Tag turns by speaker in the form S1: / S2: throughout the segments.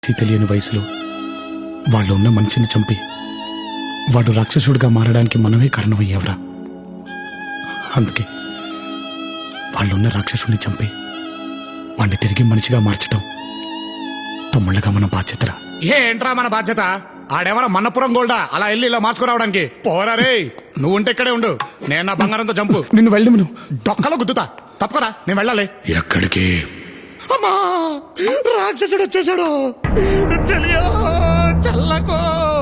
S1: తెలియని వయసులో వాళ్ళు ఉన్న మనిషిని చంపి వాడు రాక్షసుడిగా మారడానికి మనమే కారణమయ్యావురా. అందుకే వాళ్ళున్న రాక్షసుడిని చంపి వాడిని తిరిగి మనిషిగా మార్చడం తమ్ముళ్ళగా మన బాధ్యతరా.
S2: ఏంట్రా మన బాధ్యత? ఆడెవరా మన్నపురం గోల్డా అలా వెళ్ళి ఇలా మార్చుకురావడానికి? పోరా రే, నువ్వు ఉంటే ఇక్కడే ఉండు, నేను నా బంగారంతో చంపు.
S1: నిన్ను వెళ్ళి మనం
S2: డొక్కలో గుద్దుతా, తప్పకరా, నేను వెళ్ళాలి.
S1: ఎక్కడికి?
S2: అమ్మా, రాక్షసుడు వచ్చేసాడు. చెలియో, చల్లకో.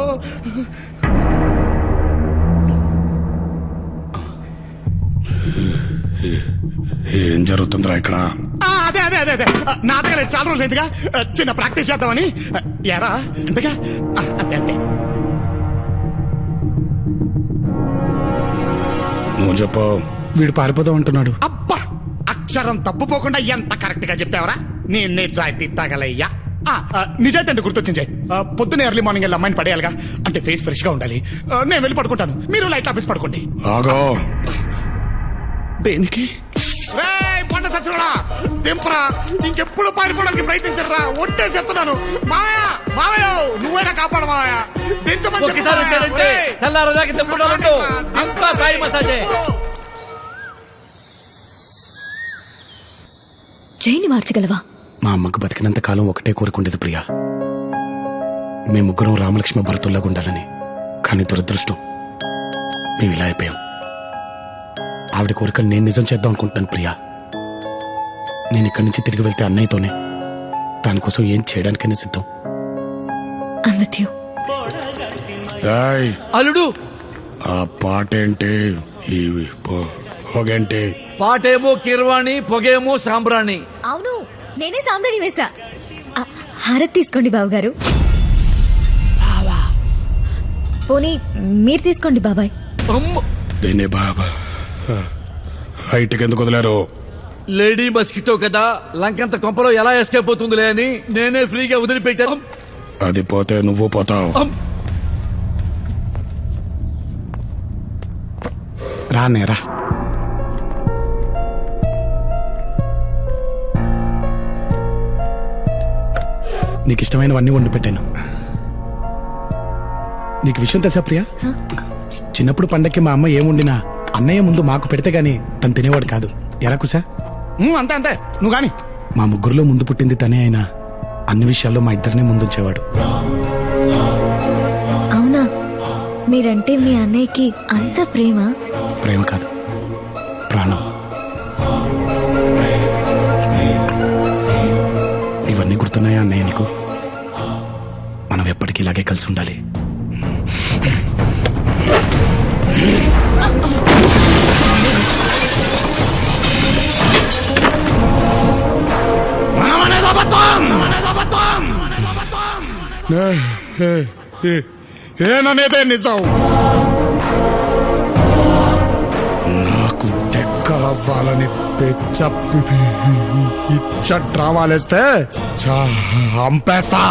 S1: ఏం జరుగుతుందిరా ఇక్కడ?
S2: అదే అదే అదే అదే నాటకాలు చాలా రోజులు ఎందుగా చిన్న ప్రాక్టీస్ చేద్దామని. ఎరా అంతగా అంతే అంతే.
S1: నువ్వు చెప్పు. వీడు పారిపోదాం అంటున్నాడు.
S2: అబ్బా, అక్షరం తప్పుపోకుండా ఎంత కరెక్ట్ గా చెప్పావరా. నేను నిజాయితీ తగలయ్యా. నిజాయితీ అంటే గుర్తొచ్చింది. పొద్దున్న ఎర్లీ మార్నింగ్ వెళ్ళి అమ్మాయిని పడేయాలిగా, అంటే ఫేస్ ఫ్రెష్ గా ఉండాలి. నేను వెళ్ళి పడుకుంటాను, మీరు లైట్ ఆఫీస్ పడుకోండి.
S1: ఆగో.
S2: దేనికి? పంట సచ్చినోడా, తెంపరా. ఇంకెప్పుడు పారిపోవడానికి ప్రయత్నించరా, ఒట్టే చెప్తున్నాను. మాయా మావయ్య, నువ్వైనా కాపాడు మావయ్య.
S3: జైని మార్చగలవా?
S1: మా అమ్మకు బతికినంత కాలం ఒకటే కోరుకుండేది ప్రియా, మేము ముగ్గురం రామలక్ష్మి భరతుల్లాగా ఉండాలని. కానీ దురదృష్టం, మేము ఇలా అయిపోయాం. ఆవిడ కోరిక నేను నిజం చేద్దాం అనుకుంటున్నాను ప్రియా. నేను ఇక్కడి నుంచి తిరిగి వెళ్తే అన్నయ్యతోనే, దానికోసం ఏం చేయడానికైనా సిద్ధం.
S4: అల్లుడు,
S1: ఆ పాటేంటి, ఈ పొగేంటి?
S4: పాటేమో కిర్వాణి, పొగేమో సాంబ్రాణి.
S3: అవును, నేనే సాంబ్రాణి వేసా. హారతి తీసుకోండి బావగారు. పోనీ మీరు తీసుకోండి బాబాయ్.
S1: దీన్ని బాబా హైట్కి ఎందుకు వదిలేరు?
S4: లేడీ మస్కిటో కదా, లంకంత కొంపలో ఎలా ఎస్కేప్ అవుతుందిలే అని నేనే ఫ్రీగా వదిలిపెట్టాను.
S1: అది పోతే నువ్వు పోతావు. రానేరా. నీకు ఇష్టమైనవన్నీ వండి పెట్టాను. నీకు విషయం తెలుసా ప్రియా? చిన్నప్పుడు పండక్కి మా అమ్మ ఏం వండినా అన్నయ్య ముందు మాకు పెడితే గాని తను తినేవాడు కాదు. ఎలా కుసా?
S2: అంతే అంతే, నువ్వు గాని.
S1: మా ముగ్గురులో ముందు పుట్టింది తనే అయినా అన్ని విషయాల్లో మా ఇద్దరినే ముందుంచేవాడు.
S3: అవునా? మీరంటే మీ అన్నయ్యకి అంత ప్రేమ?
S1: ప్రేమ కాదు, ప్రాణం. ఇవన్నీ గుర్తున్నాయా అన్నయ్య నీకు? మనం ఎప్పటికీ ఇలాగే కలిసి ఉండాలి.
S2: ఏననేదే నిజం.
S1: నాకు దగ్గరవ్వాలని ఇచ్చ డ్రామాలేస్తే చంపేస్తా.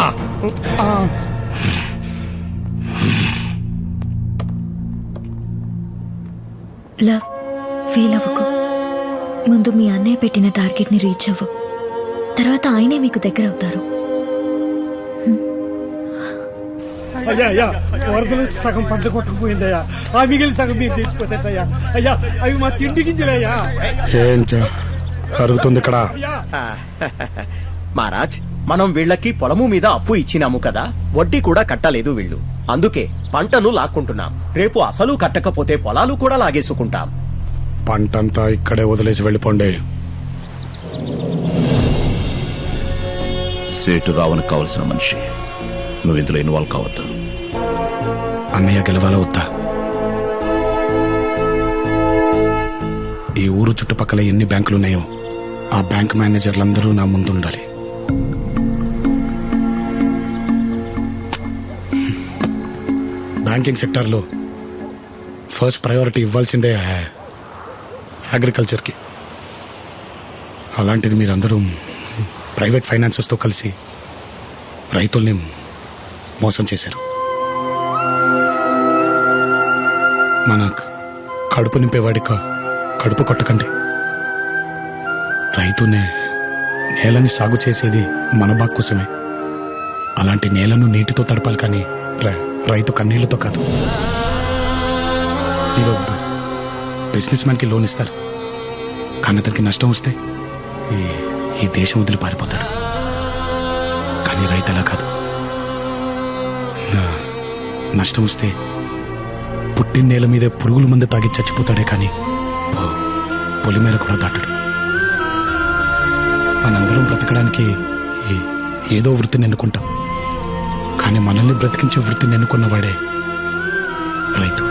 S3: లవ్ ఫీల్ అవ్వకు. ముందు మీ అన్నయ్య పెట్టిన టార్గెట్ ని రీచ్ అవ్వు, తర్వాత ఆయనే మీకు దగ్గర అవుతారు.
S5: అయ్యా అయ్యా, వరదలు సగం పంట కొట్టుకుపోయిందయ్యా. ఆ మిగిలిన సగం మీరు తెచ్చిపోతాయ్యా. అయ్యా, అవి మా తిండి గింజలయ్యా.
S1: ఏం జరుగుతుంది ఇక్కడ?
S6: మహారాజ్, మనం వీళ్ళకి పొలము మీద అప్పు ఇచ్చినాము కదా, వడ్డీ కూడా కట్టలేదు వీళ్ళు. అందుకే పంటను లాక్కుంటున్నాం. రేపు అసలు కట్టకపోతే పొలాలు కూడా లాగేసుకుంటాం.
S1: పంటంతా ఇక్కడే వదిలేసి వెళ్ళిపోండి.
S7: సేటు రావణ్ కావలసిన మనిషి, నువ్వు ఇందులో ఇన్వాల్వ్ కావద్దు.
S1: అన్నయ్య గెలవాలా వద్దా? ఈ ఊరు చుట్టుపక్కల ఎన్ని బ్యాంకులున్నాయో ఆ బ్యాంక్ మేనేజర్లందరూ నా ముందు ఉండాలి. బ్యాంకింగ్ సెక్టార్లో ఫస్ట్ ప్రయారిటీ ఇవ్వాల్సిందే అగ్రికల్చర్కి. అలాంటిది మీరందరూ ప్రైవేట్ ఫైనాన్సెస్తో కలిసి రైతుల్ని మోసం చేశారు. మన కడుపు నింపేవాడి కడుపు కొట్టకండి. రైతునే నేలని సాగు చేసేది మన బాగు కోసమే. అలాంటి నేలను నీటితో తడపాలి కానీ రైతు కన్నీళ్లతో కాదు. మీరు బిజినెస్ మ్యాన్కి లోన్ ఇస్తారు, కానీ అతనికి నష్టం వస్తే ఈ దేశం వదిలి పారిపోతాడు. కానీ రైతు అలా కాదు. నష్టం వస్తే పుట్టిన నేల మీదే పురుగుల మందు తాగి చచ్చిపోతాడే కానీ పొలి మీద కూడా దాటడు. మనందరం బ్రతకడానికి ఏదో వృత్తిని ఎన్నుకుంటాం, కానీ మనల్ని బ్రతికించే వృత్తిని ఎన్నుకున్నవాడే రైతు.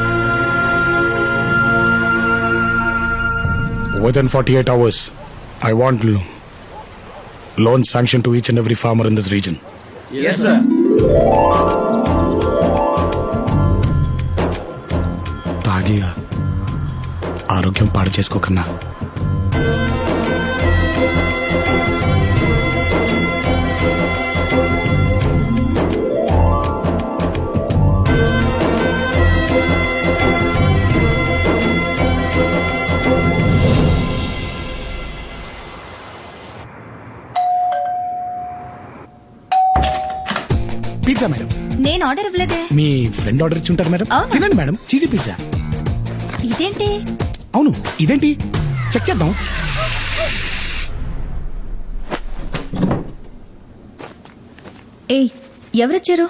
S1: Within 48 hours, I want loan sanction to each and every farmer in this region.
S4: Yes, sir.
S1: తాగి ఆరోగ్యం పాడు చేసుకోకన్నా
S2: పిజ్జా మేడం.
S3: నేను ఆర్డర్ ఇవ్వలేదే.
S1: మీ ఫ్రెండ్ ఆర్డర్ ఇచ్చి ఉంటారు మేడం.
S3: అవునా?
S1: తినండి మేడం, చీజీ పిజ్జా.
S3: ఇదేంటి?
S1: అవును, ఇదేంటి చెక్ చేద్దాం.
S3: ఏయ్, ఎవరొచ్చారు?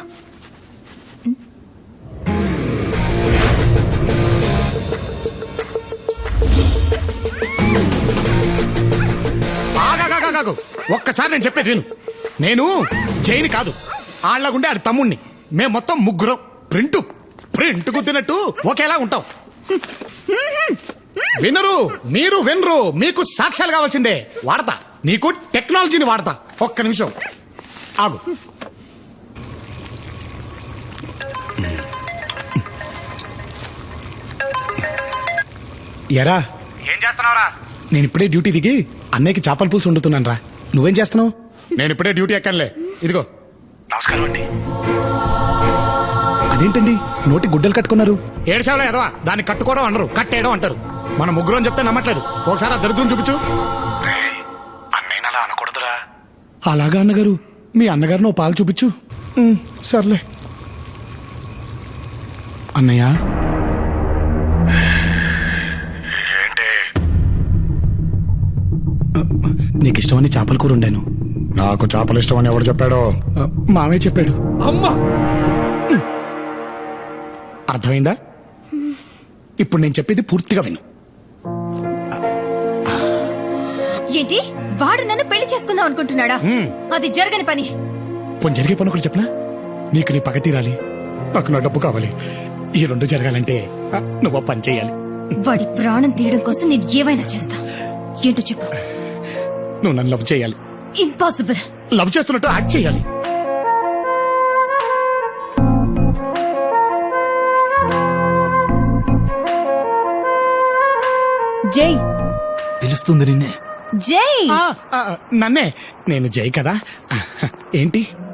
S2: ఆగాగాగాగాగు. ఒక్కసారి నేను చెప్పేది విను. నేను జైని కాదు, ఆళ్లగుండే ఆడి తమ్ముణ్ణి. మేం మొత్తం ముగ్గురం ప్రింట్ గుద్దినట్టు ఒకేలా ఉంటాం. వినరు, మీరు వినరు. మీకు సాక్ష్యాలు కావాల్సిందే. వాడతా, నీకు టెక్నాలజీని వాడతా. ఒక్క నిమిషం ఆగు.
S1: ఎరా,
S2: ఏం చేస్తున్నావురా?
S1: నేను ఇప్పుడే డ్యూటీ దిగి అన్నయ్యకి చేపల పులుసు వండుతున్నాను రా. నువ్వేం చేస్తున్నావు?
S2: నేను ఇప్పుడే డ్యూటీ ఎక్కనులే. ఇదిగో.
S1: అదేంటండి నోటి గుడ్డలు కట్టుకున్నారు?
S2: ఏడ్చావులే ఎదవా. దాన్ని కట్టుకోవడం అనరు, కట్టేయడం అంటారు. మన ముగ్గురు అని చెప్తే నమ్మట్లేదు. ఒకసారి ఆ దరిద్రం చూపించు.
S1: అలాగా అన్నగారు, మీ అన్నగారు నువ్వు పాలు చూపించు. సర్లే అన్నయ్య. నీకు ఇష్టమని చేపల కూర వండాను.
S2: నాకు చేపలు ఇష్టం అని ఎవరు చెప్పాడో?
S1: మావే చెప్పాడు.
S4: అమ్మా,
S2: అర్థమైందా? ఇప్పుడు నేను చెప్పేది పూర్తిగా విను.
S3: ఏంటి? వాడు నన్ను పెళ్లి చేసుకుందాం అనుకుంటున్నాడా? అది జరగని పని.
S2: పోనీ జరిగే పని ఒకటి చెప్పనా? నీకు నీ పగ తీరాలి, నాకు నా డబ్బు కావాలి. ఈ రెండు జరగాలంటే నువ్వు పని చేయాలి.
S3: వాడి ప్రాణం తీయడం కోసం నేను ఏమైనా చేస్తా. ఏంటో చెప్పు.
S2: నువ్వు నన్ను లవ్ చేయాలి.
S3: ఇంపాసిబుల్.
S2: లవ్ చేస్తున్నట్టు యాక్ట్ చేయాలి.
S3: జై
S4: పిలుస్తుంది నిన్నే.
S3: జై.
S2: నన్నే. నేను జై కదా. ఏంటి?